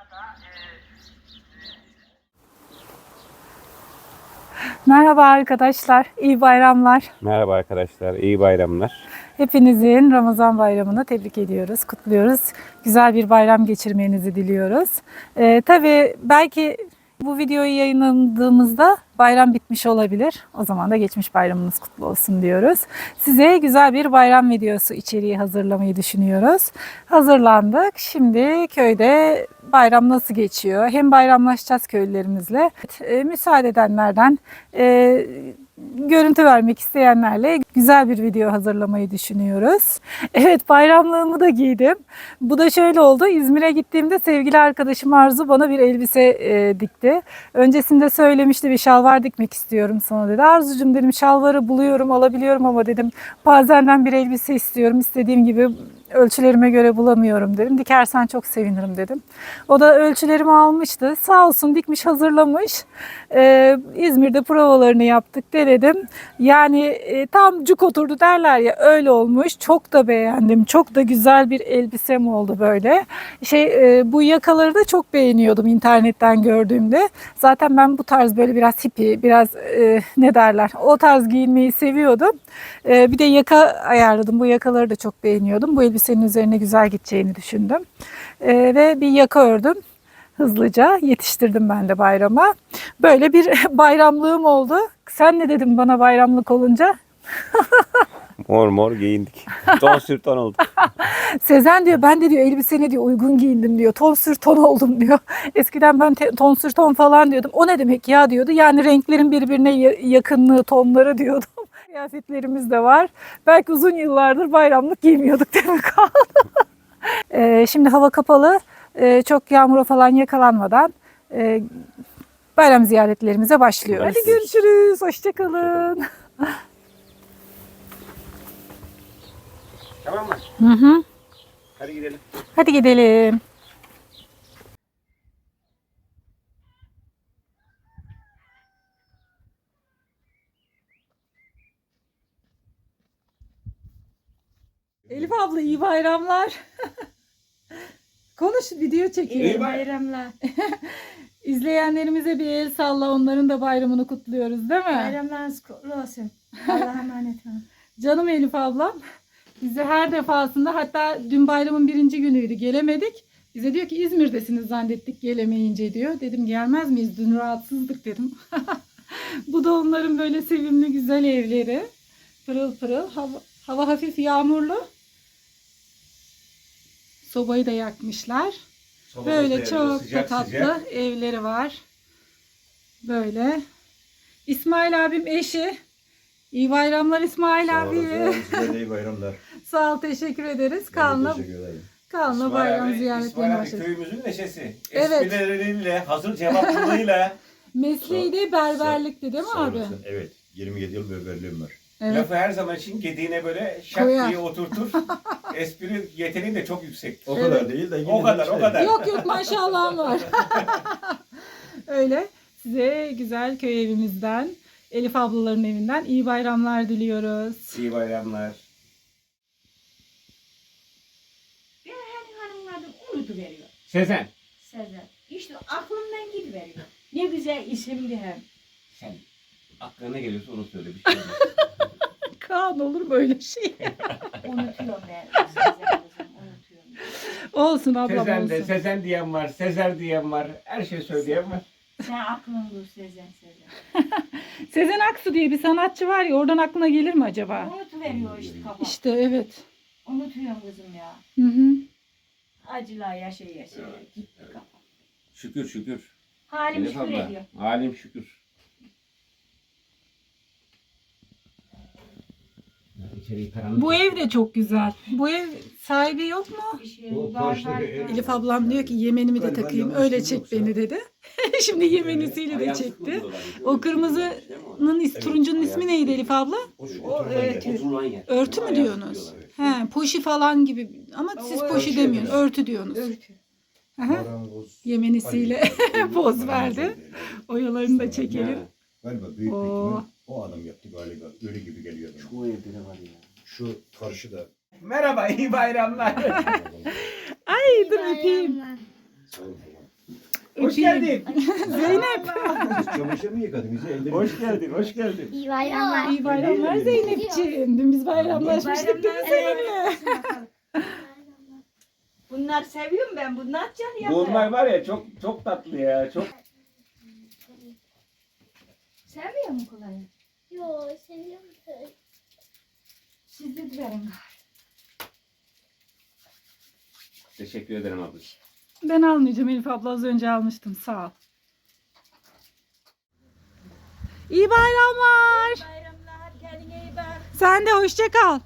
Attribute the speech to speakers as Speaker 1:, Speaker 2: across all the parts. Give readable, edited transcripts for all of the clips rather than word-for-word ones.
Speaker 1: Merhaba arkadaşlar, iyi bayramlar.
Speaker 2: Merhaba arkadaşlar, iyi bayramlar.
Speaker 1: Hepinizin Ramazan bayramını tebrik ediyoruz, kutluyoruz. Güzel bir bayram geçirmenizi diliyoruz. Tabii belki bu videoyu yayınladığımızda bayram bitmiş olabilir. O zaman da geçmiş bayramınız kutlu olsun diyoruz. Size güzel bir bayram videosu içeriği hazırlamayı düşünüyoruz. Hazırlandık. Şimdi köyde bayram nasıl geçiyor? Hem bayramlaşacağız köylülerimizle. Müsaade edenlerden, görüntü vermek isteyenlerle güzel bir video hazırlamayı düşünüyoruz. Evet, bayramlığımı da giydim. Bu da şöyle oldu. İzmir'e gittiğimde sevgili arkadaşım Arzu bana bir elbise dikti. Öncesinde söylemişti, bir şalvar dikmek istiyorum sana dedi. Arzucum dedim, şalvarı buluyorum, alabiliyorum ama dedim bazenden bir elbise istiyorum. İstediğim gibi ölçülerime göre bulamıyorum dedim. Dikersen çok sevinirim dedim. O da ölçülerimi almıştı. Sağ olsun dikmiş, hazırlamış. İzmir'de provalarını yaptık, denedim. Yani tam cuk oturdu derler ya, öyle olmuş. Çok da beğendim. Çok da güzel bir elbisem oldu böyle. Bu yakaları da çok beğeniyordum internetten gördüğümde. Zaten ben bu tarz böyle biraz hippie, biraz ne derler, o tarz giyinmeyi seviyordum. Bir de yaka ayarladım. Bu yakaları da çok beğeniyordum. Bu elbisenin üzerine güzel gideceğini düşündüm. Ve bir yaka ördüm. Hızlıca yetiştirdim ben de bayrama. Böyle bir bayramlığım oldu. Sen ne dedin bana bayramlık olunca?
Speaker 2: Mor mor giyindik. Ton sür ton olduk.
Speaker 1: Sezen diyor, ben de diyor elbisene diyor uygun giyindim diyor. Ton sür ton oldum diyor. Eskiden ben ton sür ton falan diyordum. O ne demek ya diyordu. Yani renklerin birbirine yakınlığı, tonları diyordum. Kıyafetlerimiz de var. Belki uzun yıllardır bayramlık giymiyorduk demek kaldı. Şimdi hava kapalı. Çok yağmura falan yakalanmadan bayram ziyaretlerimize başlıyoruz. Hadi görüşürüz. Hoşçakalın.
Speaker 2: Tamam mı?
Speaker 1: Hı hı.
Speaker 2: Hadi gidelim.
Speaker 1: Hadi gidelim. Elif abla iyi bayramlar. Konuş, video çekiyor.
Speaker 3: İyi bayramlar.
Speaker 1: İzleyenlerimize bir el salla, onların da bayramını kutluyoruz değil mi?
Speaker 3: Bayramlarınız kutlu olsun. Allah'a emanet olun.
Speaker 1: Canım Elif ablam. Bizi her defasında, hatta dün bayramın 1. günüydü, gelemedik. Bize diyor ki İzmir'desiniz zannettik gelemeyince diyor. Dedim gelmez miyiz, dün rahatsızdık dedim. Bu da onların böyle sevimli güzel evleri. Pırıl pırıl. Hava hafif yağmurlu. Sobayı da yakmışlar. Böyle çok da tatlı evleri var. Böyle. İsmail abim eşi. İyi bayramlar İsmail abi.
Speaker 4: Size de iyi bayramlar.
Speaker 1: Sağ ol, teşekkür ederiz.
Speaker 4: Teşekkür ederim.
Speaker 1: Kanla bayram ziyaretlerine
Speaker 2: İsmail abi
Speaker 1: başladık.
Speaker 2: köyümüzün neşesi.
Speaker 1: Evet.
Speaker 2: Esprileriyle, hazır cevaplılığıyla.
Speaker 1: Mesleği de berberlikti değil mi
Speaker 4: Sağ
Speaker 1: abi?
Speaker 4: olasın. Evet. 27 yıl berberliğim var.
Speaker 1: Evet.
Speaker 2: Lafı her zaman için gediğine böyle şak
Speaker 1: Koyar.
Speaker 2: diye oturtur. Espri yeteneği de çok yüksek.
Speaker 4: O kadar değil de yine
Speaker 2: O kadar,
Speaker 4: de
Speaker 2: o kadar.
Speaker 1: Yok yok, maşallahım var. Öyle. Size güzel köy evimizden, Elif ablaların evinden iyi bayramlar diliyoruz.
Speaker 2: İyi bayramlar.
Speaker 3: Ben hani hanımın adını unutuveriyor.
Speaker 2: Sezen.
Speaker 3: Sezen. İşte aklımdan gidiveriyor. Ne güzel isimdi hem.
Speaker 2: Sen aklına ne geliyorsa onu söyle. Bir şey olmaz.
Speaker 1: Kaan, olur mu öyle şey?
Speaker 3: Unutuyorum ben. Sezen kızım unutuyorum.
Speaker 1: Olsun ablam,
Speaker 2: Sezen de,
Speaker 1: olsun.
Speaker 2: Sezen diyen var, Sezer diyen var. Her şey söyleyen var.
Speaker 3: Sen aklın dur Sezen Sezen.
Speaker 1: Sezen Aksu diye bir sanatçı var ya, oradan aklına gelir mi acaba?
Speaker 3: Unutuveriyor işte kafa.
Speaker 1: İşte evet.
Speaker 3: Unutuyorum kızım ya.
Speaker 1: Hı hı.
Speaker 3: Acılar yaşa yaşa. Gitti kafa.
Speaker 2: Şükür şükür.
Speaker 3: Halim
Speaker 2: Elif
Speaker 3: şükür
Speaker 2: abla,
Speaker 3: ediyor.
Speaker 2: halim şükür.
Speaker 1: Bu ev de çok güzel. Bu ev sahibi yok mu?
Speaker 3: Bir şey
Speaker 4: O
Speaker 3: var
Speaker 4: karşıdaki
Speaker 3: var.
Speaker 4: ev-
Speaker 1: Elif ablam diyor ki yemenimi de
Speaker 4: Galiba
Speaker 1: takayım,
Speaker 4: yanlış
Speaker 1: öyle
Speaker 4: değil
Speaker 1: çek
Speaker 4: yoksa.
Speaker 1: beni dedi. Şimdi yemenisiyle de çekti. O kırmızının turuncunun ismi neydi Elif abla?
Speaker 4: O şu
Speaker 3: O
Speaker 4: oturulan yer.
Speaker 3: örtü.
Speaker 2: Oturulan yer.
Speaker 1: Örtü mü diyorsunuz? He, poşi falan gibi ama siz
Speaker 3: O
Speaker 1: poşi
Speaker 4: örtü
Speaker 1: demiyorsunuz,
Speaker 4: diyoruz.
Speaker 1: örtü diyorsunuz.
Speaker 3: Örtü.
Speaker 1: Aha.
Speaker 4: Marangoz.
Speaker 1: Yemenisiyle poz verdi. Oyalarını da çekelim.
Speaker 4: Galiba büyük bir
Speaker 1: Oo.
Speaker 4: ihtimal o adam yaptı galiba. Öyle gibi geliyor bana.
Speaker 2: Bu evde ne var ya?
Speaker 4: Şu karşıda.
Speaker 2: Merhaba, iyi bayramlar.
Speaker 1: Ay dur öpeyim.
Speaker 4: Sağ olun.
Speaker 5: Hoş geldin.
Speaker 1: Zeynep.
Speaker 4: Çamaşır mı yıkadın bizi? Elleri
Speaker 5: Hoş geldin, hoş geldin.
Speaker 6: İyi bayramlar.
Speaker 1: İyi bayramlar Zeynep'ciğim. Dün biz bayramlaşmıştık değil mi seninle?
Speaker 3: Bunlar seviyorum ben. Bunlar can yapar.
Speaker 5: Bunlar var ya çok tatlı ya. Çok
Speaker 3: Seviyor mu kolayı?
Speaker 6: Yo, seviyorum.
Speaker 3: Siz de verin.
Speaker 5: teşekkür ederim ablacığım.
Speaker 1: Ben almayacağım Elif abla, az önce almıştım, sağ ol. İyi bayramlar.
Speaker 3: Bayramlar. Kendine iyi bak.
Speaker 1: Sen de hoşça kal.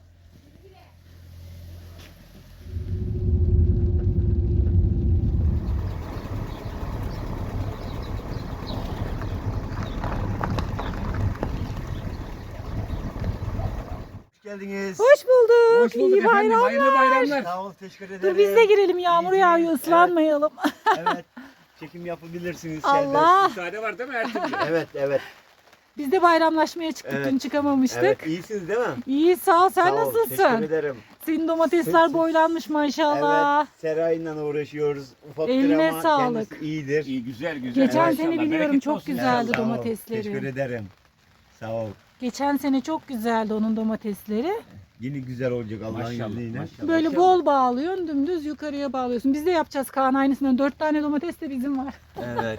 Speaker 7: Hoş geldiniz.
Speaker 1: Hoş bulduk.
Speaker 5: Hoş bulduk
Speaker 1: İyi
Speaker 5: efendim.
Speaker 1: bayramlar.
Speaker 5: Hayırlı bayramlar.
Speaker 7: Sağ ol, teşekkür ederim.
Speaker 1: Dur biz de girelim, yağmur
Speaker 7: İyi,
Speaker 1: yağıyor,
Speaker 7: evet.
Speaker 1: ıslanmayalım.
Speaker 7: Evet, çekim yapabilirsiniz.
Speaker 1: Allah.
Speaker 5: Müsaade var değil mi her türlü?
Speaker 7: Evet, evet.
Speaker 1: Biz de bayramlaşmaya çıktık,
Speaker 7: Evet.
Speaker 1: dün çıkamamıştık.
Speaker 7: Evet, iyisiniz değil mi?
Speaker 1: İyi, sağ ol, sen
Speaker 7: Sağ ol,
Speaker 1: nasılsın?
Speaker 7: teşekkür ederim.
Speaker 1: Senin domatesler boylanmış maşallah.
Speaker 7: Evet, Seray'la uğraşıyoruz. Ufaktır
Speaker 1: Eline
Speaker 7: ama
Speaker 1: sağlık.
Speaker 7: kendisi iyidir.
Speaker 5: İyi güzel güzel.
Speaker 1: Geçen
Speaker 5: Maşallah,
Speaker 1: sene biliyorum
Speaker 5: bereketli
Speaker 1: çok
Speaker 5: olsun.
Speaker 1: güzeldi
Speaker 7: Sağ ol,
Speaker 1: domatesleri.
Speaker 7: teşekkür ederim. Sağ ol.
Speaker 1: Geçen sene çok güzeldi onun domatesleri.
Speaker 7: Yine güzel olacak Allah'ın
Speaker 5: Maşallah,
Speaker 7: izniyle.
Speaker 5: maşallah.
Speaker 1: Böyle bol bağlıyorsun, dümdüz yukarıya bağlıyorsun. Biz de yapacağız Kaan aynısından. 4 tane domates de bizim var.
Speaker 7: Evet.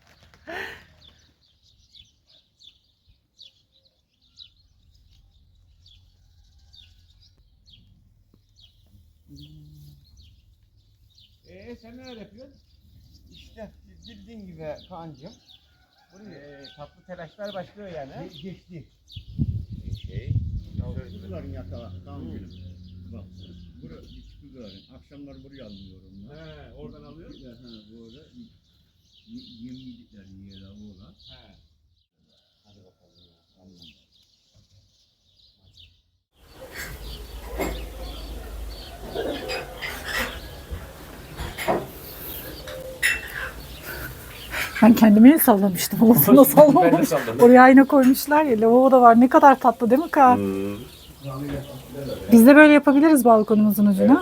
Speaker 5: Sen neler yapıyorsun?
Speaker 7: İşte bildiğin gibi Kaan'cığım.
Speaker 5: Tatlı telaşlar başlıyor yani. ha?
Speaker 7: Geçti.
Speaker 5: Şey.
Speaker 4: Kuzuların yatağı. Tamam gülüm. Bak. Buraya kuzuların. Akşamlar buraya alınıyorum.
Speaker 5: He, oradan alıyorsun.
Speaker 4: Ha, böyle. Yemlikler yiyorlar oğlan.
Speaker 5: He.
Speaker 4: Hadi bakalım ya. Anladım.
Speaker 1: Ben kendime el sallamıştım. Olasına sallamamış.
Speaker 5: Ben de salladım.
Speaker 1: Oraya ayna koymuşlar ya. Lavabo da var. Ne kadar tatlı değil mi Kaan?
Speaker 5: Hmm.
Speaker 1: Biz de böyle yapabiliriz balkonumuzun ucuna.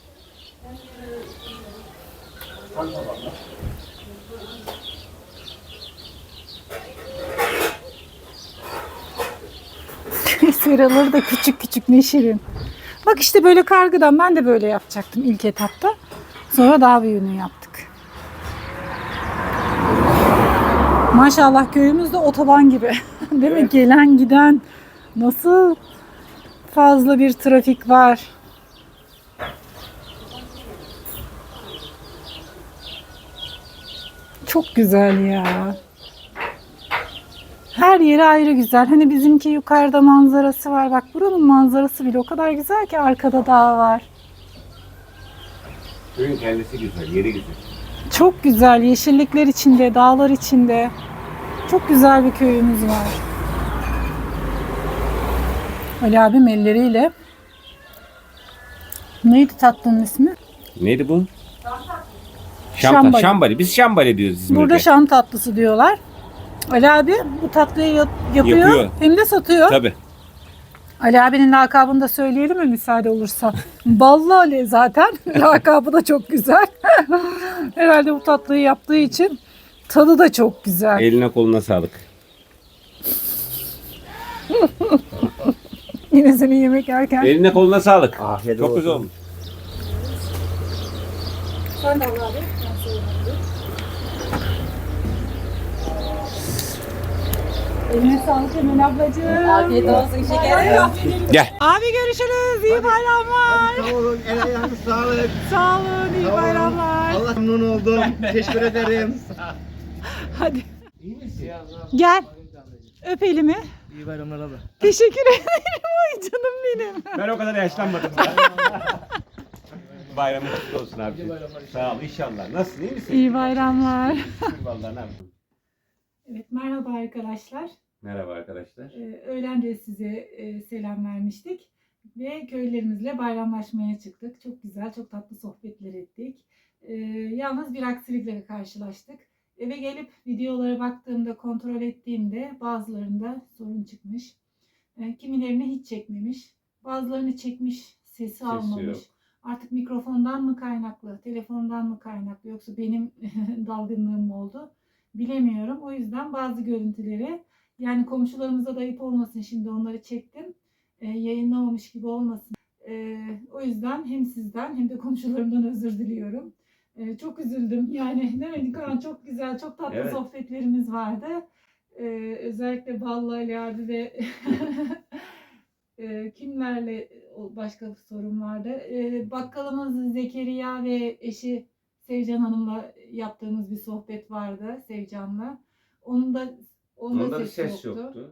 Speaker 1: Seraları da küçük küçük, ne şirin. Bak işte böyle kargıdan ben de böyle yapacaktım ilk etapta. Sonra daha büyüğünü yaptık. Maşallah köyümüz de otoban gibi. Değil mi? Gelen giden nasıl fazla bir trafik var. Çok güzel ya. Her yeri ayrı güzel. Hani bizimki yukarıda manzarası var. Bak buranın manzarası bile o kadar güzel ki, arkada dağ var.
Speaker 5: Köyün kendisi güzel, yeri güzel.
Speaker 1: Çok güzel. Yeşillikler içinde, dağlar içinde. Çok güzel bir köyümüz var. Ali abim elleriyle. Neydi tatlının ismi?
Speaker 5: Neydi bu?
Speaker 1: Şambali.
Speaker 5: Şambali. Biz şambali diyoruz İzmir'de.
Speaker 1: Burada şam tatlısı diyorlar. Ali abi bu tatlıyı yapıyor,
Speaker 5: Yapıyor.
Speaker 1: hem de satıyor.
Speaker 5: Tabii.
Speaker 1: Ali abinin lakabını da söyleyelim mi müsaade olursa? Ballı Ali zaten. Lakabı da çok güzel. Herhalde bu tatlıyı yaptığı için tadı da çok güzel.
Speaker 5: Eline koluna sağlık.
Speaker 1: Yine senin yemek yerken.
Speaker 5: Eline koluna sağlık.
Speaker 7: Afiyet
Speaker 5: Çok
Speaker 7: olsun.
Speaker 5: güzel olmuş.
Speaker 1: Sen de al abi. Eline sağlık Emel ablacığım. Afiyet olsun şekerim.
Speaker 5: Gel.
Speaker 1: Abi görüşürüz. İyi bayramlar.
Speaker 7: Sağ olun, el ayağınız sağlık.
Speaker 1: Sağ olun. İyi
Speaker 7: Sağ olun.
Speaker 1: bayramlar.
Speaker 7: Allah memnun oldum. Teşekkür ederim.
Speaker 1: Hadi. Gel. Öp elimi.
Speaker 7: İyi bayramlar abi.
Speaker 1: Teşekkür ederim. Ay canım benim.
Speaker 5: Ben o kadar yaşlanmadım. Bayramın kutlu olsun abi. Sağ ol inşallah. Nasılsın, iyi misin?
Speaker 1: İyi bayramlar.
Speaker 5: Şükür vallahi ne yapayım.
Speaker 1: Evet, merhaba arkadaşlar.
Speaker 5: Merhaba arkadaşlar.
Speaker 1: Öğlen de size selam vermiştik. Ve köylerimizle bayramlaşmaya çıktık. Çok güzel, çok tatlı sohbetler ettik. Yalnız bir aksilikle karşılaştık. Eve gelip videolara baktığımda, kontrol ettiğimde bazılarında sorun çıkmış. Kimilerini hiç çekmemiş. Bazılarını çekmiş, sesi almamış.
Speaker 5: yok.
Speaker 1: Artık mikrofondan mı kaynaklı, telefondan mı kaynaklı yoksa benim dalgınlığım mı oldu bilemiyorum. O yüzden bazı görüntüleri, yani komşularımıza da ayıp olmasın, şimdi onları çektim. Yayınlamamış gibi olmasın. O yüzden hem sizden hem de komşularımdan özür diliyorum. Çok üzüldüm. Yani değil mi Kaan? Çok güzel, çok tatlı
Speaker 5: Evet.
Speaker 1: sohbetlerimiz vardı. Özellikle Ballı Ali abi ve kimlerle başka sorun vardı. Bakkalımız Zekeriya ve eşi Sevcan Hanım'la yaptığımız bir sohbet vardı, Sevcan'la. Onda
Speaker 5: Onda bir
Speaker 1: ses
Speaker 5: ses
Speaker 1: yoktu.
Speaker 5: yoktu.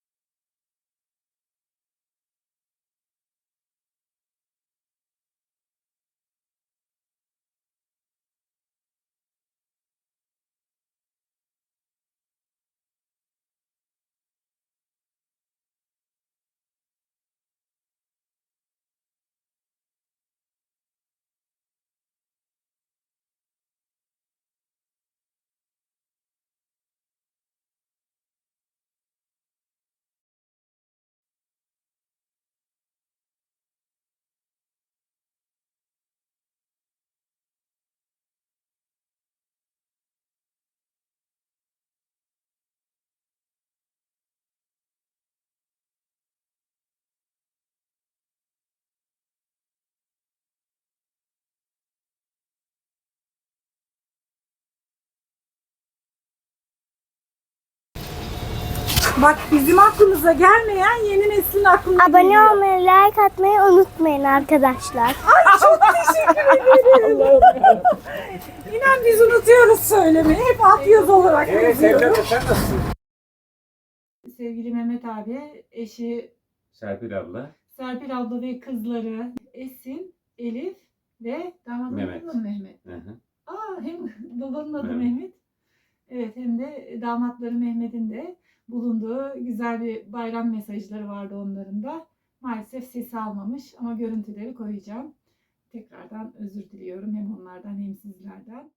Speaker 1: Bak, bizim aklımıza gelmeyen yeni neslin aklına
Speaker 6: Abone
Speaker 1: geliyor.
Speaker 6: olmayı, like atmayı unutmayın arkadaşlar.
Speaker 1: Çok teşekkür ederim. İnan biz unutuyoruz söylemeyi. Hep alt yazı olarak yazıyoruz.
Speaker 5: Sen nasılsın?
Speaker 1: Sevgili Mehmet abi, eşi
Speaker 5: Serpil abla.
Speaker 1: Serpil abla ve kızları Esin, Elif ve damadın
Speaker 5: Mehmet.
Speaker 1: adı mı Mehmet?
Speaker 5: Hı hı.
Speaker 1: Hem babanın adı
Speaker 5: Mehmet.
Speaker 1: Mehmet. Evet, hem de damatları Mehmet'in de bulunduğu güzel bir bayram mesajları vardı onların da. Maalesef sesi almamış ama görüntüleri koyacağım. Tekrardan özür diliyorum hem onlardan hem sizlerden.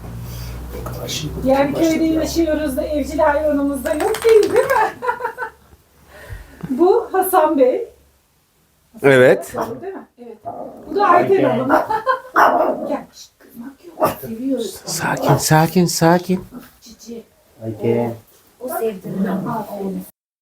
Speaker 1: Yani köyde yaşıyoruz da evcil hayvanımız da yok değil mi? Bu Hasan Bey. Hasan
Speaker 2: Evet.
Speaker 1: Bey, değil mi? Evet. Bu da Ayten Hanım. Gel, şşt, kızmak yok. Seviyoruz.
Speaker 2: Sakin.
Speaker 1: Cici.
Speaker 2: Ayten.
Speaker 3: O sevdiğini.
Speaker 1: Aferin.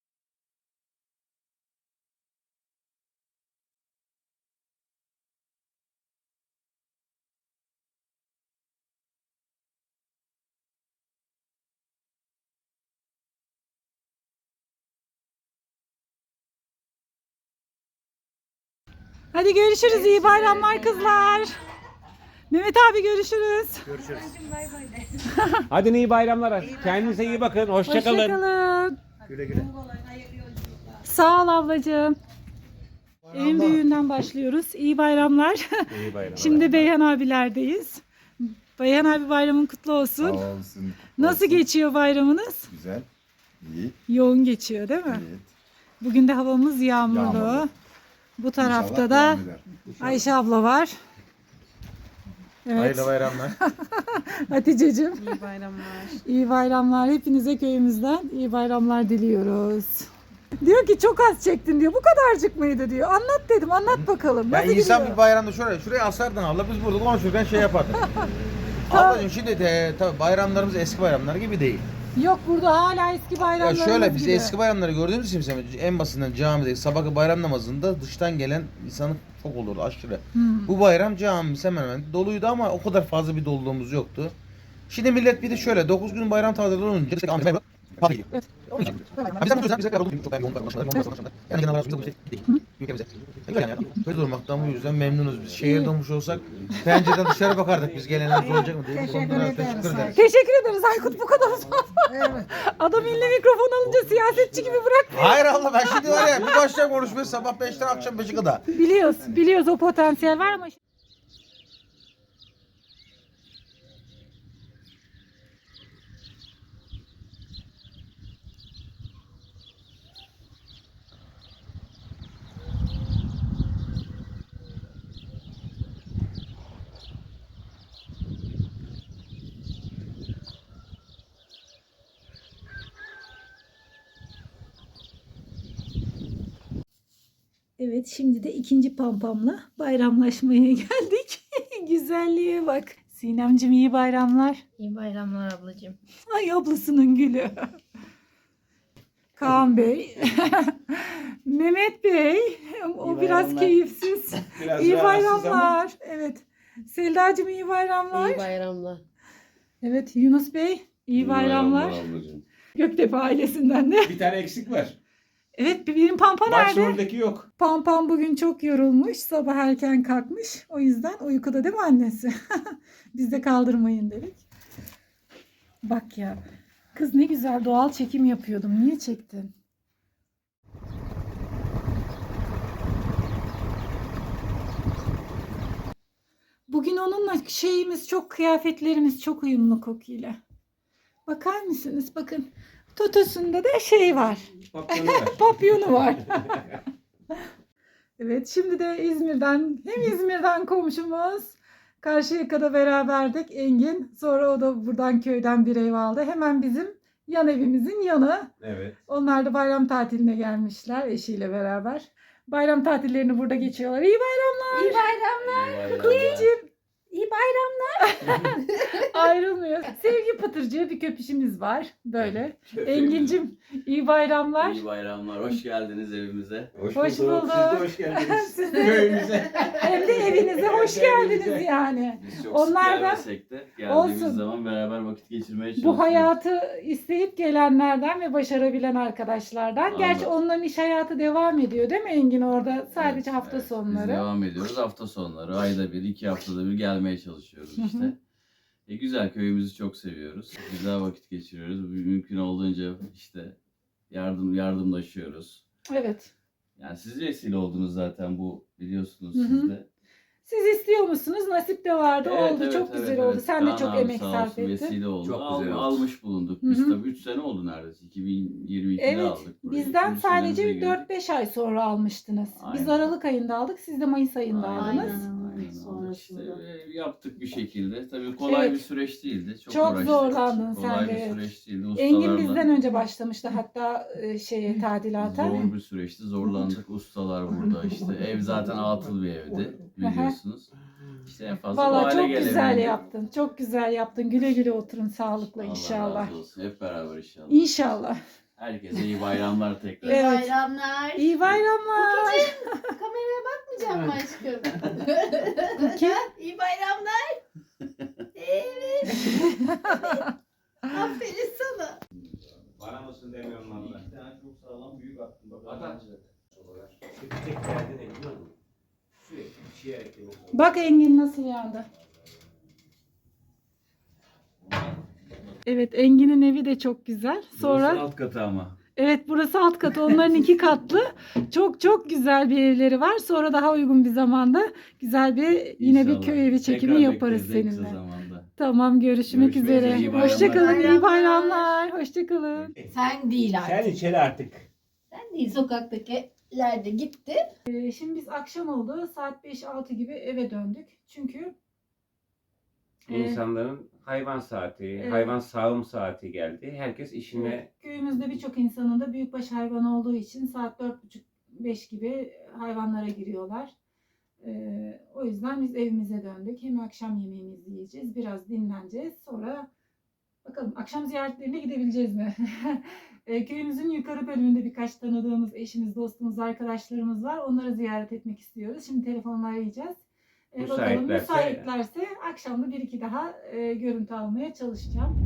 Speaker 1: Hadi görüşürüz. İyi bayramlar kızlar. Mehmet abi görüşürüz.
Speaker 5: Hadi iyi bayramlar. Kendinize iyi bakın. Hoşçakalın.
Speaker 1: Hoşçakalın.
Speaker 4: Güle güle.
Speaker 1: Sağ ol ablacığım. En büyüğünden başlıyoruz. İyi bayramlar.
Speaker 5: İyi bayramlar.
Speaker 1: Şimdi Beyhan abilerdeyiz. Beyhan abi bayramın kutlu olsun.
Speaker 8: Sağ olsun.
Speaker 1: Nasıl geçiyor bayramınız?
Speaker 8: Güzel. İyi.
Speaker 1: Yoğun geçiyor değil mi?
Speaker 8: Evet.
Speaker 1: Bugün de havamız yağmurlu.
Speaker 8: Yağmurlu.
Speaker 1: Bu tarafta
Speaker 8: İnşallah
Speaker 1: da
Speaker 8: devam eder.
Speaker 1: Ayşe abla var. Evet.
Speaker 7: Hayırlı bayramlar.
Speaker 1: Hatice'cim.
Speaker 9: İyi bayramlar.
Speaker 1: İyi bayramlar. Hepinize köyümüzden iyi bayramlar diliyoruz. Diyor ki çok az çektin diyor. Bu kadarcık mıydı diyor. Anlat dedim. Anlat bakalım.
Speaker 7: Ya
Speaker 1: Nasıl
Speaker 7: insan
Speaker 1: gidiyor?
Speaker 7: bir bayramda şuraya asardın abla, biz burada konuşurken şey yapardık. Ablacığım şimdi de tabii bayramlarımız eski bayramlar gibi değil.
Speaker 1: Yok, burada hala eski
Speaker 7: Ya
Speaker 1: bayramlarımız
Speaker 7: şöyle biz
Speaker 1: gibi.
Speaker 7: eski bayramları gördüğümüz için mesela en basitinden camide sabahki bayram namazında dıştan gelen insanın çok olurdu aşırı. Bu bayram camimiz hemen hemen doluydu ama o kadar fazla bir doluluğumuz yoktu. Şimdi millet bir de şöyle 9 gün bayram tatileri olunca işte yani genel olarak bir şey değil. Ülkemize. Yani böyle durmaktan bu yüzden memnunuz biz. Şehirde olmuş olsak pencereden dışarı bakardık biz gelenimiz olacak mı diye. Teşekkür ederiz.
Speaker 1: Teşekkür ederiz Aykut, bu kadar uzatma. Adam eline mikrofon alınca siyasetçi gibi bırak.
Speaker 7: Hayır Allah, ben şimdi var ya bir başlayacağım konuşmaya sabah 5'ten akşam 5'e kadar.
Speaker 1: Biliyoruz o potansiyel var ama Evet, şimdi de ikinci pampamla bayramlaşmaya geldik. Güzelliğe bak. Sinemcim iyi bayramlar.
Speaker 8: İyi bayramlar ablacığım.
Speaker 1: Ay ablasının gülü. Kaan Bey. Mehmet Bey. O biraz keyifsiz.
Speaker 5: Biraz
Speaker 1: İyi
Speaker 5: rahatsız ama
Speaker 1: bayramlar. Evet. Selda'cığım iyi bayramlar.
Speaker 8: İyi bayramlar.
Speaker 1: Evet, Yunus Bey iyi bayramlar.
Speaker 5: ablacığım.
Speaker 1: Göktepe ailesinden de.
Speaker 5: Bir tane eksik var.
Speaker 1: Evet, benim Pampa nerede?
Speaker 5: Başroldeki yok.
Speaker 1: Pampam bugün çok yorulmuş. Sabah erken kalkmış. O yüzden uykuda değil mi annesi? Biz de kaldırmayın dedik. Bak ya. Kız ne güzel doğal çekim yapıyordum. Niye çektin? Bugün onunla şeyimiz çok, kıyafetlerimiz çok uyumlu kokuyla. Bakar mısınız? Bakın. Totosunda da şey var.
Speaker 5: Papyonu var.
Speaker 1: Papyonu var. Evet, şimdi de İzmir'den komşumuz. Karşıyaka'da beraberdik Engin. Sonra o da buradan köyden bir ev aldı. Hemen bizim yan evimizin yanı.
Speaker 5: Evet.
Speaker 1: Onlar da bayram tatiline gelmişler eşiyle beraber. Bayram tatillerini burada geçiyorlar. İyi bayramlar.
Speaker 8: İyi bayramlar.
Speaker 1: Kuklacığım.
Speaker 8: İyi bayramlar.
Speaker 1: Ayrılmıyor. Sevgi Pıtırcığı bir köpüşümüz var. Böyle. Engin'cim iyi bayramlar.
Speaker 9: İyi bayramlar. Hoş geldiniz evimize.
Speaker 1: Hoş
Speaker 5: bulduk.
Speaker 1: bulduk.
Speaker 5: Siz de hoş geldiniz.
Speaker 1: Siz de-
Speaker 5: Köyümüze.
Speaker 1: Hem de evinize hoş geldiniz yani.
Speaker 9: Biz çok
Speaker 1: Onlar
Speaker 9: sık
Speaker 1: da-
Speaker 9: gelmesek de geldiğimiz
Speaker 1: Olsun.
Speaker 9: zaman beraber vakit geçirmeye çalışıyoruz.
Speaker 1: Bu hayatı isteyip gelenlerden ve başarabilen arkadaşlardan.
Speaker 9: Anladım.
Speaker 1: Gerçi onların iş hayatı devam ediyor değil mi Engin orada? Sadece
Speaker 9: Evet,
Speaker 1: hafta
Speaker 9: evet. Biz
Speaker 1: sonları.
Speaker 9: devam ediyoruz. Hafta sonları, ayda bir, 2 haftada bir gelmeye çalışıyoruz
Speaker 1: Hı
Speaker 9: işte.
Speaker 1: hı.
Speaker 9: Güzel, köyümüzü çok seviyoruz. Güzel vakit geçiriyoruz. Mümkün olduğunca işte yardımlaşıyoruz.
Speaker 1: Evet.
Speaker 9: Yani siz vesile oldunuz zaten, bu biliyorsunuz
Speaker 1: Hı hı.
Speaker 9: siz de.
Speaker 1: Siz istiyor musunuz? Nasip de vardı. oldu. Çok güzel oldu. Sen de
Speaker 9: Kaan
Speaker 1: çok
Speaker 9: abi
Speaker 1: emek
Speaker 9: sağ
Speaker 1: sarf
Speaker 9: olsun,
Speaker 1: ettin.
Speaker 9: vesile oldu.
Speaker 5: Çok güzel oldu.
Speaker 9: Almış bulunduk.
Speaker 1: Hı
Speaker 9: Biz
Speaker 1: hı.
Speaker 9: tabii 3 sene oldu neredeyse. 2022'de
Speaker 1: Evet.
Speaker 9: aldık burayı.
Speaker 1: Bizden
Speaker 9: Üç
Speaker 1: sadece
Speaker 9: senemize girdik.
Speaker 1: 4-5 ay sonra almıştınız. Biz
Speaker 9: Aynen.
Speaker 1: Aralık ayında aldık. Siz de Mayıs ayında
Speaker 9: Aynen.
Speaker 1: aldınız.
Speaker 9: Aynen.
Speaker 8: Sonrasında.
Speaker 9: İşte yaptık bir şekilde. Tabii kolay
Speaker 1: Evet.
Speaker 9: bir süreç değildi. Çok
Speaker 1: Çok
Speaker 9: uğraştık.
Speaker 1: zorlandın sen
Speaker 9: kolay
Speaker 1: de,
Speaker 9: bir
Speaker 1: evet.
Speaker 9: süreç değildi.
Speaker 1: Engin
Speaker 9: Ustalarla
Speaker 1: bizden önce başlamıştı hatta tadilata.
Speaker 9: zor bir süreçti. Zorlandık. Ustalar burada işte. Ev zaten atıl bir evdi. Biliyorsunuz. İşte en fazla bu
Speaker 1: Valla
Speaker 9: hale
Speaker 1: çok güzel
Speaker 9: gelebildik.
Speaker 1: yaptın. Çok güzel yaptın. Güle güle oturun sağlıkla
Speaker 9: Allah
Speaker 1: inşallah.
Speaker 9: razı olsun. Hep beraber inşallah.
Speaker 1: İnşallah.
Speaker 9: Herkese iyi bayramlar tekrar.
Speaker 8: İyi
Speaker 1: Evet.
Speaker 8: bayramlar.
Speaker 1: İyi bayramlar.
Speaker 8: Kameraya bakmayacağım mı aşkım?
Speaker 1: Kim?
Speaker 8: İyi bayramlar. Evet. Aferin sana.
Speaker 5: Bana mısın demiyorum valla.
Speaker 4: Bir tane çok sağlam büyük attım. Bak,
Speaker 5: Adam. Bir tek derdi ne biliyor musun? Sürekli bir şey eklemek.
Speaker 1: Bak Engin nasıl yandı. Evet, Engin'in evi de çok güzel. Sonra
Speaker 9: Burası alt katı ama.
Speaker 1: evet, burası alt katı. Onların 2 katlı. Çok çok güzel bir evleri var. Sonra daha uygun bir zamanda güzel bir yine
Speaker 9: İnşallah.
Speaker 1: bir köy evi çekimi
Speaker 9: Tekrar
Speaker 1: yaparız
Speaker 9: bekleriz en kısa
Speaker 1: seninle.
Speaker 9: zamanda.
Speaker 1: Tamam, görüşmek
Speaker 9: Görüşmek
Speaker 1: üzere.
Speaker 9: üzere, iyi bayramlar.
Speaker 1: Hoşçakalın. İyi
Speaker 8: Bayramlar.
Speaker 1: bayramlar. Hoşçakalın.
Speaker 8: Sen değil
Speaker 5: Sen
Speaker 8: artık.
Speaker 5: içeri artık.
Speaker 8: Sen değil, sokaktakiler de gitti.
Speaker 1: Şimdi biz akşam oldu. Saat 5-6 gibi eve döndük. Çünkü
Speaker 2: İnsanların hayvan saati,
Speaker 1: Evet.
Speaker 2: hayvan sağım saati geldi. Herkes işine
Speaker 1: köyümüzde birçok insanın da büyükbaş hayvan olduğu için saat 4.30-5 gibi hayvanlara giriyorlar. O yüzden biz evimize döndük. Hem akşam yemeğimizi yiyeceğiz, biraz dinleneceğiz. Sonra bakalım akşam ziyaretlerine gidebileceğiz mi? Köyümüzün yukarı bölümünde birkaç tanıdığımız eşimiz, dostumuz, arkadaşlarımız var. Onları ziyaret etmek istiyoruz. Şimdi telefonla arayacağız. Bakalım müsaitlerse akşam da bir iki daha görüntü almaya çalışacağım.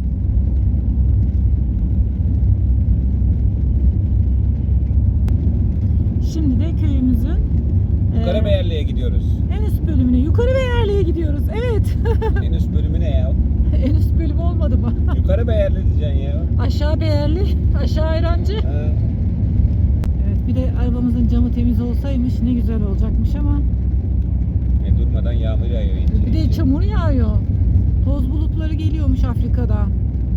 Speaker 1: Şimdi de köyümüzün
Speaker 5: Karabeyerli'ye gidiyoruz.
Speaker 1: en üst bölümüne, yukarı Beyerli'ye gidiyoruz. Evet.
Speaker 5: En üst bölümü ne ya?
Speaker 1: En üst bölüm olmadı mı?
Speaker 5: Yukarı Beyerli diyeceksin ya.
Speaker 1: Aşağı Beyerli, aşağı Ayrancı.
Speaker 5: Ha.
Speaker 1: Evet, bir de arabamızın camı temiz olsaymış ne güzel olacakmış ama
Speaker 5: Durmadan yağmur yağıyor.
Speaker 1: bir de çamur yağıyor. Toz bulutları geliyormuş Afrika'dan.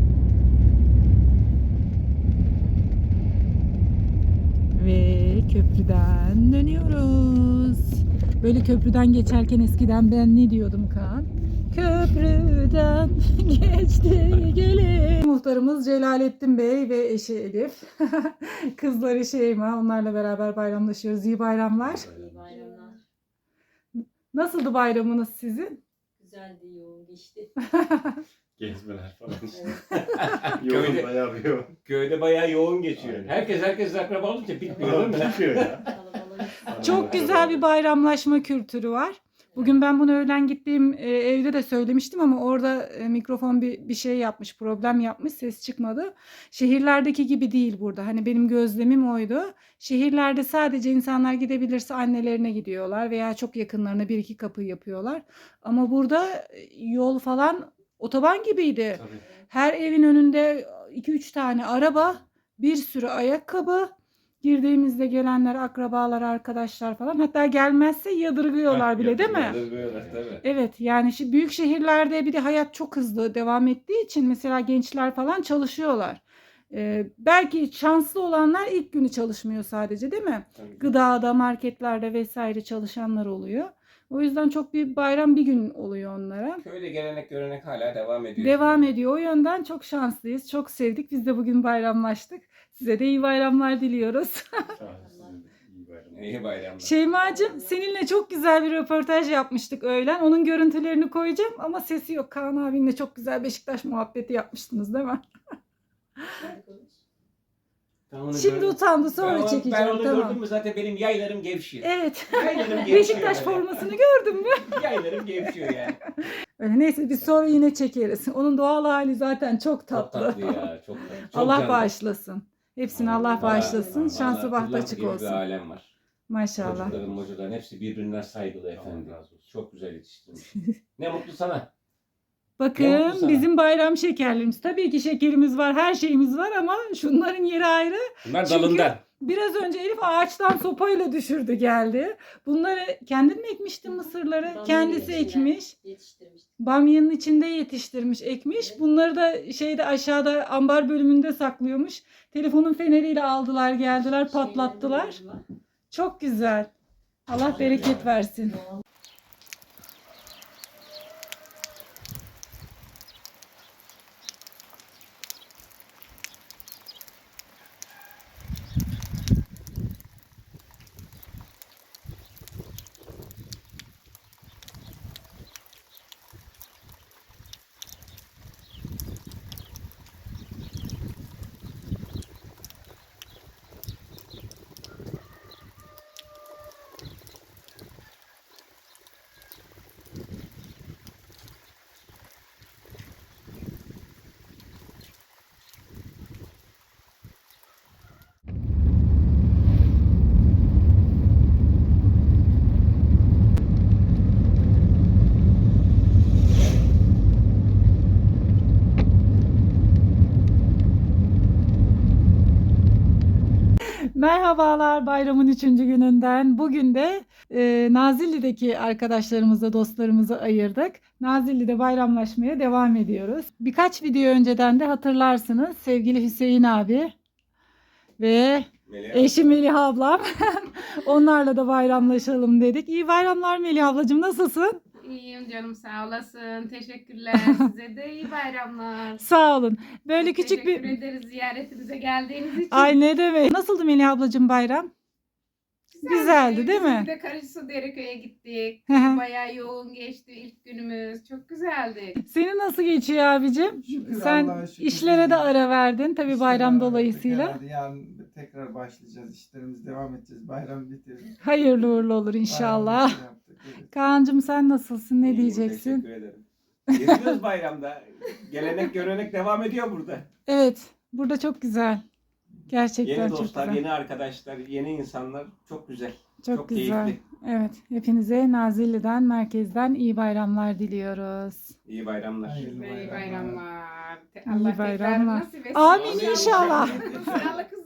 Speaker 1: Ve köprüden dönüyoruz. Böyle köprüden geçerken eskiden ben ne diyordum Kaan? köprüden geçti gelin. Muhtarımız Celalettin Bey ve eşi Elif. Kızları Şeyma. Onlarla beraber bayramlaşıyoruz. İyi bayramlar.
Speaker 3: İyi bayramlar.
Speaker 1: Nasıldı bayramınız sizin?
Speaker 3: Güzeldi, yoğun geçti.
Speaker 2: Gezmeler falan.
Speaker 5: Köyde-
Speaker 2: yoğun bayağı bir yoğun.
Speaker 5: Köyde bayağı yoğun geçiyor.
Speaker 2: Aynen.
Speaker 5: Herkes akraba olunca bitmiyor değil mi?
Speaker 2: Bitiyor ya.
Speaker 3: Kalabalık.
Speaker 1: Çok güzel bir bayramlaşma kültürü var. Bugün ben bunu öğlen gittiğim evde de söylemiştim ama orada mikrofon bir şey yapmış, problem yapmış, ses çıkmadı. Şehirlerdeki gibi değil burada. Hani benim gözlemim oydu. Şehirlerde sadece insanlar gidebilirse annelerine gidiyorlar veya çok yakınlarına bir iki kapı yapıyorlar. Ama burada yol falan otoban gibiydi.
Speaker 2: Tabii.
Speaker 1: Her evin önünde 2-3 tane araba, bir sürü ayakkabı. Girdiğimizde gelenler, akrabalar, arkadaşlar falan. Hatta gelmezse yadırgıyorlar bile değil mi?
Speaker 5: Yadırgıyorlar tabii.
Speaker 1: Evet yani büyük şehirlerde bir de hayat çok hızlı devam ettiği için mesela gençler falan çalışıyorlar. Belki şanslı olanlar ilk günü çalışmıyor sadece değil mi?
Speaker 2: Tabii.
Speaker 1: Gıdada, marketlerde vesaire çalışanlar oluyor. O yüzden çok bir bayram bir gün oluyor onlara.
Speaker 5: Köyde gelenek görenek hala devam ediyor.
Speaker 1: Devam ediyor. O yönden çok şanslıyız. Çok sevdik. Biz de bugün bayramlaştık. Size de iyi bayramlar diliyoruz.
Speaker 2: Sağ olun, size de iyi bayramlar.
Speaker 5: İyi bayramlar.
Speaker 1: Şeymacığım seninle çok güzel bir röportaj yapmıştık öğlen. Onun görüntülerini koyacağım ama sesi yok. Kaan abinle çok güzel Beşiktaş muhabbeti yapmıştınız değil mi?
Speaker 5: Ben onu
Speaker 1: Şimdi
Speaker 5: gördüm.
Speaker 1: utandı sonra
Speaker 5: Ben
Speaker 1: çekeceğim.
Speaker 5: onu
Speaker 1: Tamam.
Speaker 5: gördüm mü zaten benim yaylarım gevşiyor.
Speaker 1: Evet.
Speaker 5: Yaylarım gevşiyor.
Speaker 1: Beşiktaş
Speaker 5: yani.
Speaker 1: formasını gördün mü?
Speaker 5: Yaylarım gevşiyor yani.
Speaker 1: Öyle neyse biz sonra yine çekeriz. Onun doğal hali zaten çok tatlı.
Speaker 5: Çok tatlı ya. Çok tatlı. Çok
Speaker 1: Allah
Speaker 5: canlı.
Speaker 1: bağışlasın. Hepsini Allah bağışlasın.
Speaker 5: Vallahi
Speaker 1: Şansı bahtı
Speaker 5: Kırlent
Speaker 1: açık
Speaker 5: gibi bir
Speaker 1: olsun.
Speaker 5: alem var.
Speaker 1: Maşallah.
Speaker 5: Çocukların hepsi birbirinden saygılı efendim.
Speaker 2: Allah razı olsun.
Speaker 5: Çok güzel yetiştirmiş. Ne mutlu sana. Ne
Speaker 1: Bakın
Speaker 5: mutlu sana.
Speaker 1: bizim bayram şekerlerimiz. Tabii ki şekerimiz var, her şeyimiz var ama şunların yeri ayrı.
Speaker 5: Bunlar
Speaker 1: Çünkü-
Speaker 5: dalından.
Speaker 1: Biraz önce Elif ağaçtan sopayla düşürdü geldi. Bunları kendin mi ekmiştin mısırları?
Speaker 3: Bamyanın
Speaker 1: Kendisi
Speaker 3: içinde
Speaker 1: ekmiş.
Speaker 3: Yetiştirmiş.
Speaker 1: Bamyanın içinde yetiştirmiş, ekmiş. Bunları da şeyde aşağıda ambar bölümünde saklıyormuş. Telefonun feneriyle aldılar, geldiler, patlattılar. Çok güzel. Allah bereket versin. Merhabalar bayramın 3. gününden. Bugün de Nazilli'deki arkadaşlarımızla, dostlarımızı ayırdık. Nazilli'de bayramlaşmaya devam ediyoruz. Birkaç video önceden de hatırlarsınız sevgili Hüseyin abi ve eşi Melih ablam. Onlarla da bayramlaşalım dedik. İyi bayramlar Melih ablacığım, nasılsın?
Speaker 10: İyiyim canım, sağ olasın. Teşekkürler. Size de iyi bayramlar.
Speaker 1: Sağ olun. Böyle küçük
Speaker 10: Teşekkür
Speaker 1: bir...
Speaker 10: ederiz ziyaretinize geldiğiniz için.
Speaker 1: Ay ne demek. Nasıldı Melih ablacığım bayram? Güzeldi değil mi?
Speaker 10: Biz de Karışsu Dereköy'e gittik.
Speaker 1: Hı hı.
Speaker 10: Bayağı yoğun geçti ilk günümüz. Çok güzeldi.
Speaker 1: Senin nasıl geçiyor abicim?
Speaker 11: Şükür,
Speaker 1: Sen
Speaker 11: Allah'a şükür.
Speaker 1: işlere de ara verdin tabii bayram
Speaker 11: İşlere
Speaker 1: dolayısıyla.
Speaker 11: herhalde yarın tekrar başlayacağız. İşlerimiz devam edeceğiz. Bayram bitirdik.
Speaker 1: Hayırlı uğurlu olur inşallah.
Speaker 11: Bayramımızı yaptık, evet.
Speaker 1: Kaan'cığım sen nasılsın? Ne
Speaker 5: İyiyim,
Speaker 1: diyeceksin?
Speaker 5: Teşekkür ederim. Geziyoruz bayramda. Gelenek görenek devam ediyor burada.
Speaker 1: Evet, burada çok güzel. Gerçekten
Speaker 5: Yeni
Speaker 1: çok
Speaker 5: dostlar,
Speaker 1: güzel.
Speaker 5: yeni arkadaşlar, yeni insanlar. Çok güzel.
Speaker 1: Çok güzel.
Speaker 5: keyifli.
Speaker 1: Evet, hepinize Nazilli'den, merkezden iyi bayramlar diliyoruz.
Speaker 5: İyi bayramlar.
Speaker 11: Hayırlı
Speaker 10: İyi
Speaker 11: bayramlar.
Speaker 10: bayramlar.
Speaker 1: İyi
Speaker 10: Allah tekrar
Speaker 1: bayramlar.
Speaker 10: nasip etsin.
Speaker 1: Amin inşallah.
Speaker 10: Sağlık